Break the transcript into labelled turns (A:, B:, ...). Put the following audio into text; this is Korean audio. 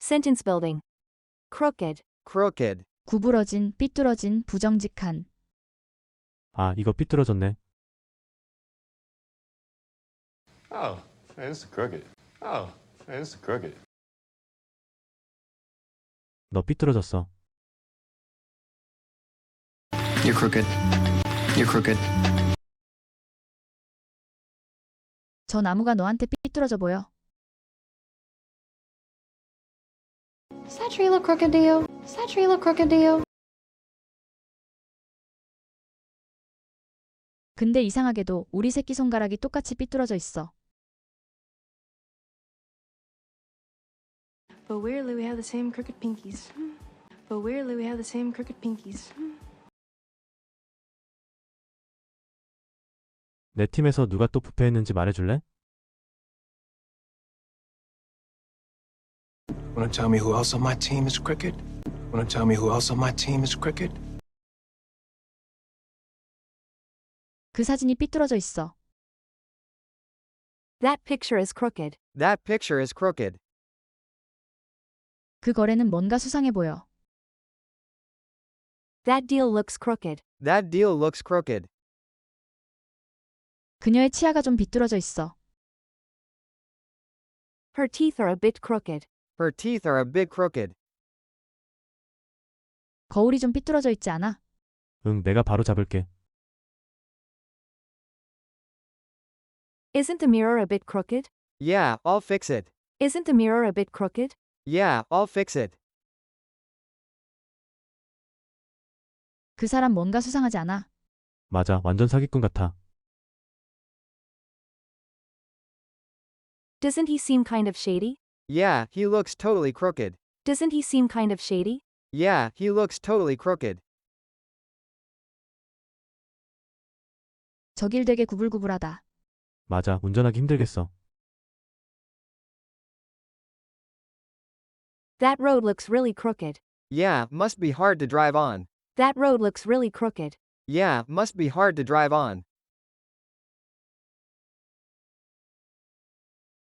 A: Sentence building. Crooked.
B: crooked.
C: 구부러진, 삐뚤어진, 부정직한.
D: 아, 이거 삐뚤어졌네.
E: Oh, man, this is crooked. Oh, man, this is crooked.
D: 너 삐뚤어졌어.
F: You're crooked. You're crooked.
C: 저 나무가 너한테 삐뚤어져 보여.
G: Does that tree look crooked to you? Does that tree look crooked to you?
C: 근데 이상하게도 우리 새끼손가락이 똑같이 삐뚤어져 있어.
H: But weirdly, we have the same crooked pinkies. But weirdly, we have the same crooked pinkies.
D: 내 팀에서 누가 또 부패했는지 말해줄래?
I: Wanna tell me who else on my team is crooked? Wanna tell me who else on my team is crooked?
C: 그 사진이 삐뚤어져 있어.
A: That picture is crooked.
B: That picture is crooked.
C: 그 거래는 뭔가 수상해 보여.
A: That deal looks crooked.
B: That deal looks crooked.
C: 그녀의 치아가 좀 비뚤어져 있어.
A: Her teeth are a bit crooked.
B: Her teeth are a bit crooked.
C: 거울이 좀 삐뚤어져 있지 않아?
D: 응, 내가 바로 잡을게.
A: Isn't the mirror a bit crooked?
B: Yeah, I'll fix it.
A: Isn't the mirror a bit crooked?
B: Yeah, I'll fix it.
C: 그 사람 뭔가 수상하지 않아?
D: 맞아, 완전 사기꾼 같아.
A: Doesn't he seem kind of shady?
B: Yeah, he looks totally crooked.
A: Doesn't he seem kind of shady?
B: Yeah, he looks totally crooked.
C: 저 길 되게 구불구불하다.
D: 맞아, 운전하기 힘들겠어.
A: That road looks really crooked.
B: Yeah, must be hard to drive on.
A: That road looks really crooked.
B: Yeah, must be hard to drive on.